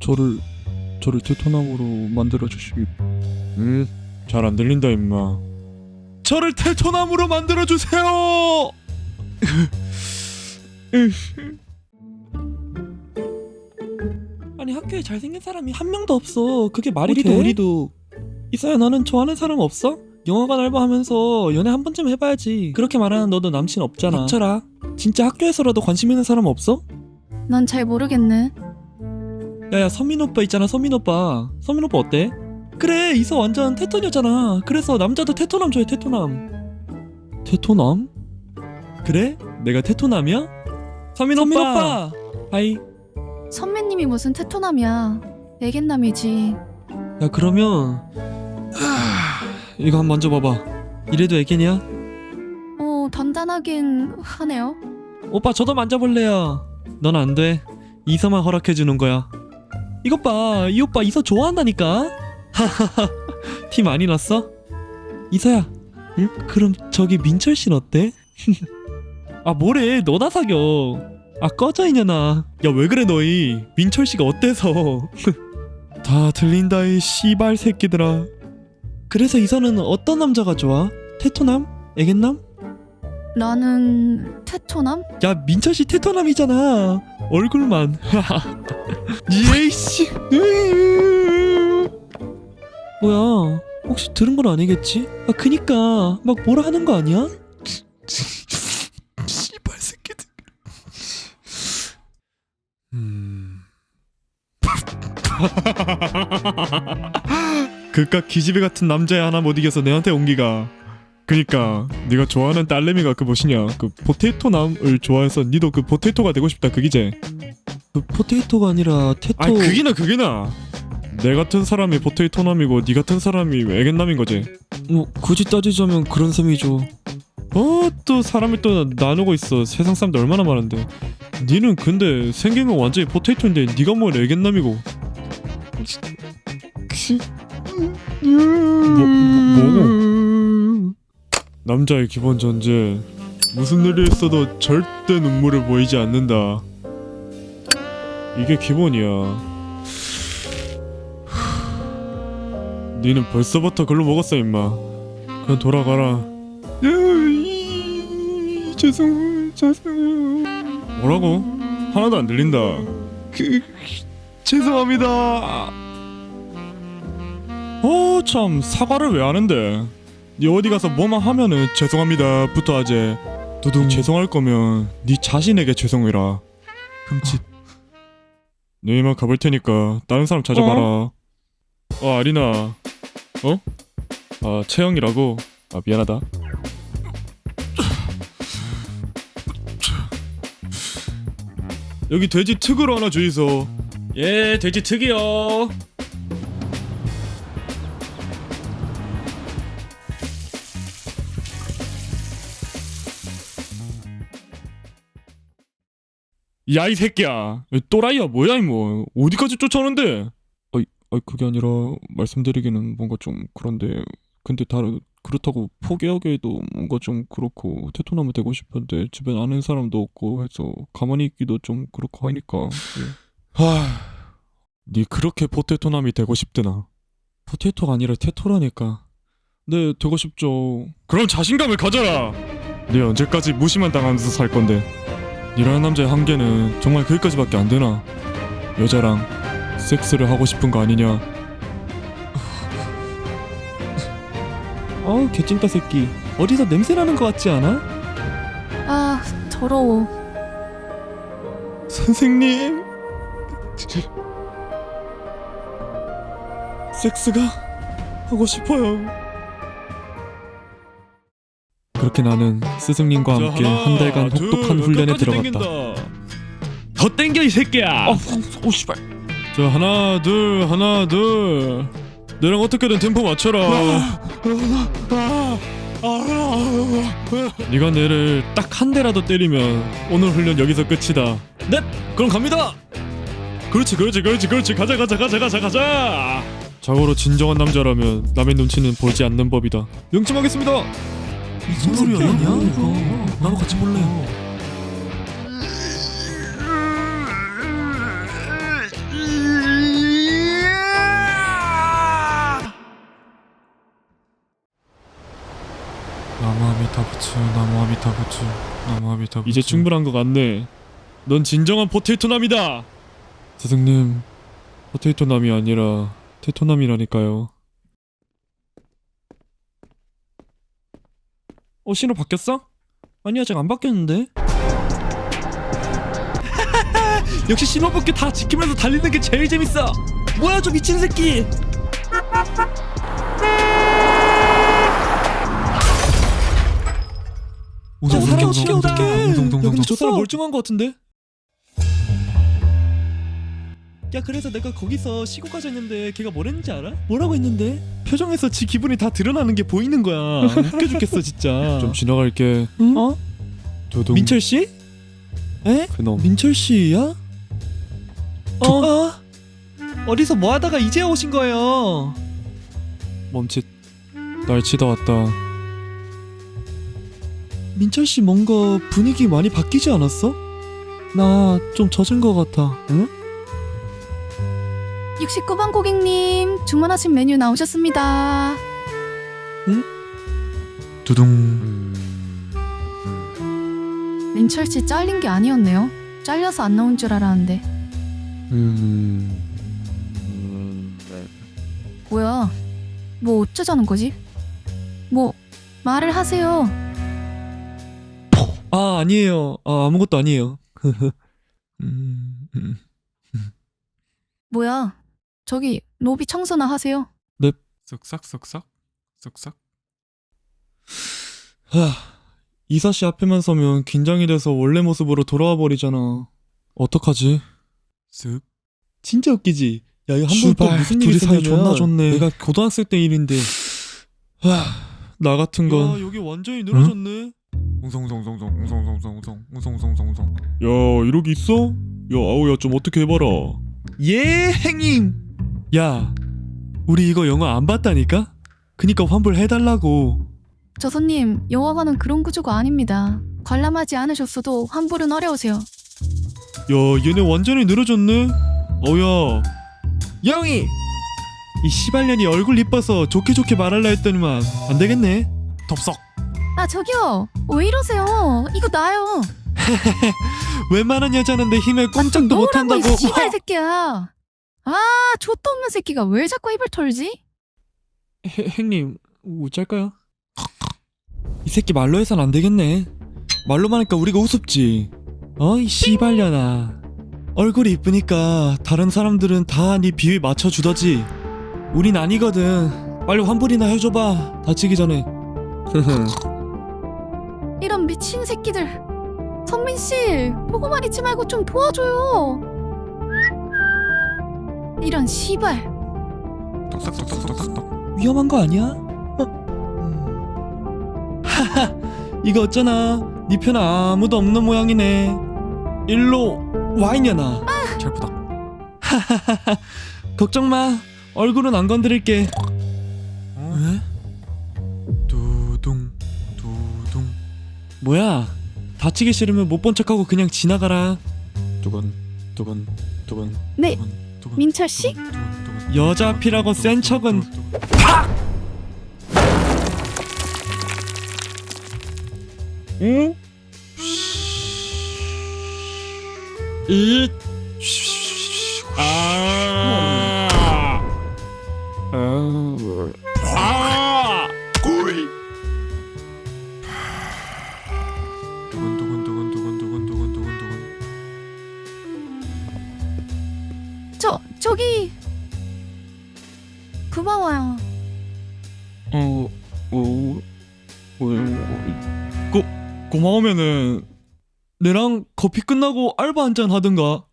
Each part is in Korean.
저를 테토남으로 만들어 주시기. 잘 안 들린다 임마. 저를 테토남으로 만들어 주세요. 아니 학교에 잘생긴 사람이 한 명도 없어. 그게 말이 돼? 우리도. 이사야 너는 좋아하는 사람 없어? 영화관 알바하면서 연애 한 번쯤 해봐야지. 그렇게 말하는 너도 남친 없잖아. 닥쳐라. 진짜 학교에서라도 관심 있는 사람 없어? 난 잘 모르겠네. 야야 서민 오빠 있잖아. 서민 오빠 어때? 그래 이사 완전 테토녀잖아. 그래서 남자도 테토남 좋아해. 테토남? 그래? 내가 테토남이야? 서민 오빠 하이. 선배님이 무슨 테토남이야. 애견남이지. 야 그러면 이거 한번 만져봐봐. 이래도 애견이야? 단단하긴 하네요. 오빠 저도 만져볼래요. 넌 안 돼. 이서만 허락해주는 거야. 이것 봐, 이 오빠 이서 좋아한다니까. 하하하. 티 많이 났어? 이서야. 응? 그럼 저기 민철 씨는 어때? 아 뭐래? 너나 사겨. 아 꺼져 이년아. 야 왜 그래 너희? 민철 씨가 어때서? 다 들린다 이 씨발 새끼들아. 그래서 이서는 어떤 남자가 좋아? 테토남? 애견남? 나는 테토남? 야 민철 씨 테토남이잖아. 얼굴만. 예이씨. 뭐야? 혹시 들은 건 아니겠지? 아 그니까 막 뭐라 하는 거 아니야? 씨발 새끼들. 그깟 기집애 같은 남자애 하나 못 이겨서 내한테 온기가. 그니까 네가 좋아하는 딸내미가 그 뭐시냐 그 포테이토남을 좋아해서 니도 그 포테이토가 되고 싶다 그기제. 그 포테이토가 아니라 테토. 아니 그게나 내 같은 사람이 포테이토남이고 니 같은 사람이 애견남인 거지. 뭐 굳이 따지자면 그런 셈이죠. 또 사람이 또 나누고 있어. 세상 사람들 얼마나 많은데. 니는 근데 생긴 건 완전히 포테이토인데 니가 뭐 애견남이고. 뭐고? 남자의 기본 전제. 무슨 일이 있어도 절대 눈물을 보이지 않는다. 이게 기본이야. 니는 벌써부터 글로 먹었어 임마. 그냥 돌아가라. 죄송해요. 뭐라고? 하나도 안 들린다. 죄송합니다. 참 사과를 왜 하는데? 니 어디 가서 뭐만 하면은 죄송합니다 부터 하지. 두둥. 죄송할 거면 니 자신에게 죄송해라. 흠칫. 네 이만 가볼 테니까 다른 사람 찾아봐라. 아리나. 채영이라고. 미안하다. 여기 돼지 특으로 하나 주이소. 예, 돼지 특이요. 야 이 새끼야. 또라이야 뭐야 이모. 어디까지 쫓아오는데? 그게 아니라 말씀드리기는 뭔가 좀 그런데. 근데 그렇다고 포기하기에도 뭔가 좀 그렇고 테토남이 되고 싶은데 주변 아는 사람도 없고 해서 가만히 있기도 좀 그렇고 하니까. 니 그렇게 포테토남이 되고 싶드나? 포테토가 아니라 테토라니까. 네 되고 싶죠. 그럼 자신감을 가져라. 니 언제까지 무시만 당하면서 살 건데? 니라는 남자의 한계는 정말 거기까지밖에 안 되나? 여자랑 섹스를 하고 싶은 거 아니냐? 아우 개찐따 새끼. 어디서 냄새나는 거 같지 않아? 아 더러워. 선생님 섹스가 하고 싶어요. 그렇게 나는 스승님과 함께 한 달간 혹독한 훈련에 들어갔다. 더 땡겨 이 새끼야. 씨발. 자 하나 둘 너랑 어떻게든 템포 맞춰라. 네가 내를 딱 한 대라도 때리면 오늘 훈련 여기서 끝이다. 넵 그럼 갑니다. 그렇지 가자. 자고로 진정한 남자라면 남의 눈치는 보지 않는 법이다. 명심하겠습니다. 무슨 소리야 이거. 나도 같이 볼래. 나무아미타부츠 나무아미타부츠 나무아미타부츠. 이제 충분한 것 같네. 넌 진정한 포테이토남이다. 스승님, 포테이토남이 아니라 테토남이라니까요. 신호 바뀌었어? 아니 아직 안 바뀌었는데. 역시 신호밖에 다 지키면서 달리는 게 제일 재밌어. 뭐야 저 미친 새끼. 저 사람 시켜다. 야 근데 저 사람 멀쩡한 거 같은데? 야 그래서 내가 거기서 쉬고 가자 했는데 걔가 뭘 했는지 알아? 뭐라고 했는데? 표정에서 지 기분이 다 드러나는 게 보이는 거야. 웃겨 죽겠어 진짜. 좀 지나갈게. 응? 어? 두둥. 민철 씨? 에? 그놈. 민철 씨야? 어디서 뭐 하다가 이제 오신 거예요? 멈칫. 날 치다 왔다. 민철 씨 뭔가 분위기 많이 바뀌지 않았어? 나 좀 젖은 거 같아. 응? 69번 고객님 주문하신 메뉴 나오셨습니다. 두둥. 민철 씨 잘린 게 아니었네요. 잘려서 안 나온 줄 알았는데. 뭐야? 뭐 어쩌자는 거지? 뭐 말을 하세요. 아니에요. 아무것도 아니에요. 뭐야? 저기 로비 청소나 하세요. 쓱싹 쓱싹 쓱싹. 이사 씨 앞에만 서면 긴장이 돼서 원래 모습으로 돌아와 버리잖아. 어떡하지? 쓱. 진짜 웃기지? 야 이거 한번 또 슈발, 무슨 일이 둘이 사이 있었냐면 존나 좋네. 내가 고등학생 때 일인데 나 같은 건 여기 완전히 늘어졌네. 웅성웅성웅성웅성웅성웅성웅성웅성웅성. 야 이러기 있어? 야 아우야 좀 어떻게 해봐라. 예 행님. 야 우리 이거 영화 안 봤다니까? 그니까 환불해달라고. 저 손님 영화관은 그런 구조가 아닙니다. 관람하지 않으셨어도 환불은 어려우세요. 야 얘네 완전히 늘어졌네. 어야 영희 이 시발년이 얼굴 이뻐서 좋게 좋게 말할라 했더니만 안 되겠네. 덥석. 아 저기요 왜 이러세요? 이거 나요. 웬만한 여자는 내 힘에 꼼짝도 못한다고. 이 씨발 새끼야. 아 좆도 없는 새끼가 왜 자꾸 입을 털지? 행님 어쩔까요? 이 새끼 말로 해선 안 되겠네. 말로만 하니까 우리가 우습지. 이 씨발년아. 얼굴이 이쁘니까 다른 사람들은 다 네 비위에 맞춰주더지. 우린 아니거든. 빨리 환불이나 해줘봐 다치기 전에. 이런 미친 새끼들. 선민씨 보고만 있지 말고 좀 도와줘요. 이런 씨발. 톡톡톡톡톡톡. 위험한 거 아니야? 하하 이거 어쩌나 네 편 아무도 없는 모양이네. 일로 와 이년아. 철푸덕. 하하하하 걱정마 얼굴은 안 건드릴게. 왜? 두둥 두둥. 뭐야 다치기 싫으면 못 본 척하고 그냥 지나가라. 두근 두근 두근. 네 두근, 두근, 민철 씨? 두근, 두근, 두근, 여자 두근, 앞이라고 두근, 센 두근, 척은. 두근, 두근. 응? 이 두근 두근 두근 두근 두근 두근 두근 두근. 저기 고마워요. 고마우면은 내랑 커피 끝나고 알바 한잔 하든가.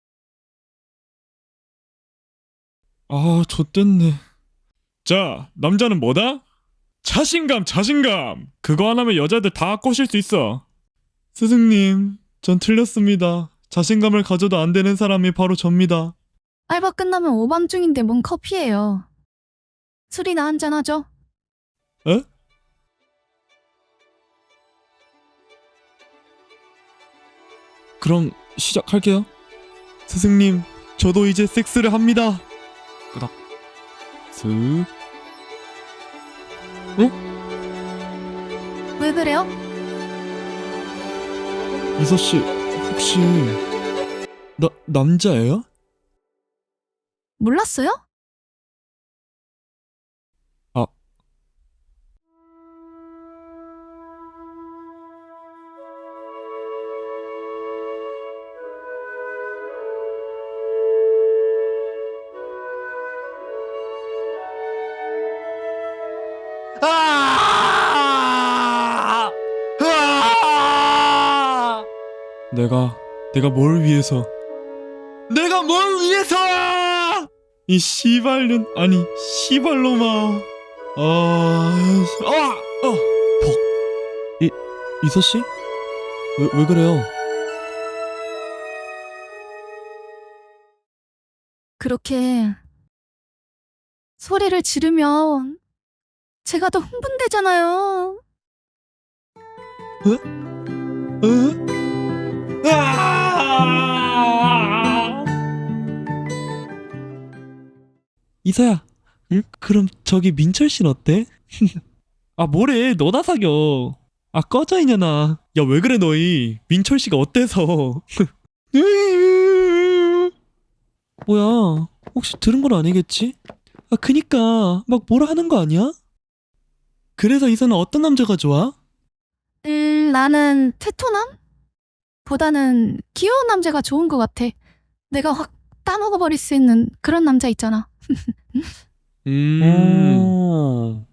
좆됐네. 자, 남자는 뭐다? 자신감, 자신감. 그거 하나면 여자들 다 꼬실 수 있어. 스승님, 전 틀렸습니다. 자신감을 가져도 안 되는 사람이 바로 접니다. 알바 끝나면 오밤중인데 뭔 커피예요. 술이나 한잔 하죠. 에? 그럼 시작할게요. 스승님, 저도 이제 섹스를 합니다. 끄덕. 슥. 왜 그래요? 이서씨 혹시 남자예요? 몰랐어요? 내가 뭘 위해서 이 씨발년 아니 씨발놈아 이서씨? 왜 그래요? 그렇게 소리를 지르면 제가 더 흥분되잖아요. 이서야, 응? 그럼 저기 민철 씨는 어때? 아 뭐래, 너나 사겨. 아 꺼져 이년아. 야 왜 그래 너희? 민철 씨가 어때서? 뭐야? 혹시 들은 건 아니겠지? 아 그니까 막 뭐라 하는 거 아니야? 그래서 이서는 어떤 남자가 좋아? 나는 테토남? 보다는 귀여운 남자가 좋은 것 같아. 내가 확 따먹어버릴 수 있는 그런 남자 있잖아. 오.